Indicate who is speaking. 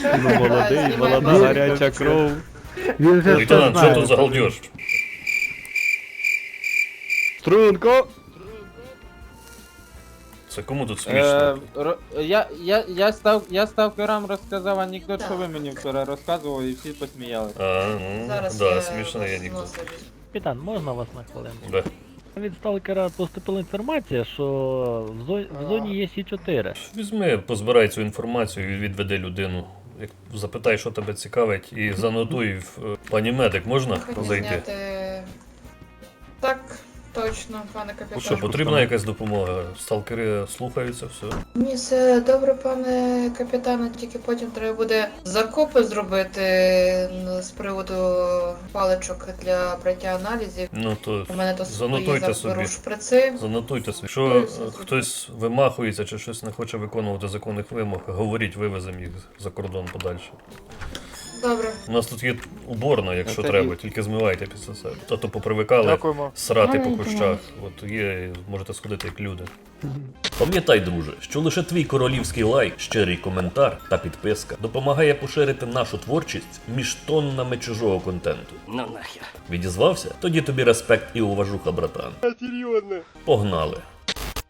Speaker 1: Ну молодий, молода гаряча кров.
Speaker 2: Він же все
Speaker 3: Лейтенант, що тут
Speaker 2: знає.
Speaker 3: за галдеж?
Speaker 1: Струнко!
Speaker 3: Це кому тут смішно?
Speaker 4: Я сталкерам розказав анекдот, що ви мені вчора розказували, і всі посміялися.
Speaker 3: Ну,
Speaker 5: Зараз
Speaker 3: да,
Speaker 5: я
Speaker 3: смішний анекдот.
Speaker 5: носа візьму.
Speaker 6: Капітан, можна вас на хвилинку?
Speaker 3: Да.
Speaker 6: Від сталкера поступила інформація, що в зоні є Сі-4.
Speaker 3: Візьми, позбирай цю інформацію і відведи людину. Як запитай, що тебе цікавить, і занотуй в пані медик, можна
Speaker 5: Хотів
Speaker 3: зайти?
Speaker 5: зняти... Так, точно, пане
Speaker 3: Ну
Speaker 5: капітан.
Speaker 3: що, потрібна якась допомога? Сталкери слухаються, все.
Speaker 5: Ні, все добре, пане капітане, тільки потім треба буде закупи зробити з приводу паличок для браття аналізів.
Speaker 3: Ну то
Speaker 5: У мене то
Speaker 3: занотуйте
Speaker 5: зараз
Speaker 3: собі.
Speaker 5: беру шприци.
Speaker 3: Занотуйте собі. Якщо хтось вимахується чи щось не хоче виконувати законних вимог, говоріть, вивеземо їх за кордон подальше.
Speaker 5: Добре.
Speaker 3: У нас тут є уборна, якщо
Speaker 4: Це
Speaker 3: треба,
Speaker 4: і-
Speaker 3: тільки змивайте після себе. А то попривикали
Speaker 4: Дякуємо.
Speaker 3: срати по кущах. От є, можете сходити як люди. Пам'ятай, друже, що лише твій королівський лайк, щирий коментар та підписка допомагає поширити нашу творчість між тоннами чужого контенту.
Speaker 7: Ну нахер.
Speaker 3: Відізвався? Тоді тобі респект і уважуха, братан. Серйозно. Погнали.